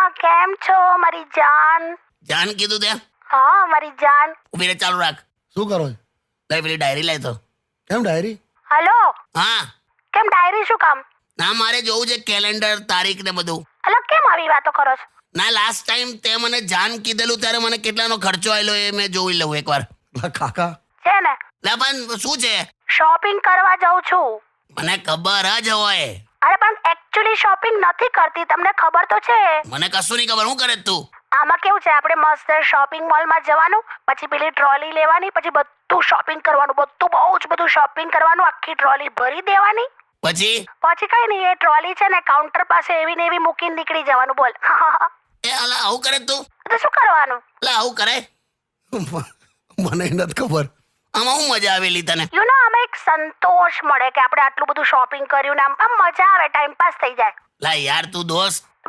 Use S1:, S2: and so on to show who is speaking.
S1: કેમ છો મારી જાન?
S2: જાન કીધું ત્યાં
S1: હા મારી જાન.
S2: ઉભી રે, ચાલુ રાખ.
S3: શું કરો છો?
S2: લઈ પેલી ડાયરી લાય તો.
S3: કેમ ડાયરી?
S1: હલો,
S2: હા
S1: કેમ ડાયરી શું કામ?
S2: ના, મારે જોવું છે કેલેન્ડર, તારીખ ને બધું.
S1: અલા કેમ આવી વાતો કરો છો?
S2: ના, લાસ્ટ ટાઈમ તે મને જાન કીધેલું ત્યારે મને કેટલાનો ખર્ચો આવેલો એ મેં જોઈ લઉં એકવાર.
S3: કાકા
S1: છે ને
S2: લે પણ શું છે?
S1: શોપિંગ કરવા જાઉં છું.
S2: મને ખબર જ હોય.
S1: અરે પણ એકચ્યુઅલી શોપિંગ નથી કરતી, તમને ખબર તો છે.
S2: મને કશું નહીં ખબર. શું કરે છે તું?
S1: આમાં કેવું છે, આપણે મસ્ત શોપિંગ મોલમાં જવાનું, પછી પેલી ટ્રોલી લેવાની, પછી બધું શોપિંગ કરવાનું, બધું બહુ જ બધું શોપિંગ કરવાનું, આખી ટ્રોલી ભરી દેવાની.
S2: પછી
S1: કઈ નહીં, એ ટ્રોલી છે ને કાઉન્ટર પાસે એવી ને એવી મૂકીને નીકળી જવાનું. બોલ.
S2: એ અલા આવું કરે છે તું?
S1: તો શું કરવાનું?
S2: અલા આવું કરે?
S3: મને નથી ખબર.
S2: આમાં શું મજા આવેલી તને?
S1: યુ નો, આમાં એક સંતોષ મળે કે આપણે આટલું બધું શોપિંગ કર્યું ને આમ મજા આવે, ટાઈમ પાસ થઈ જાય.
S2: લા યાર તું દોસ્ત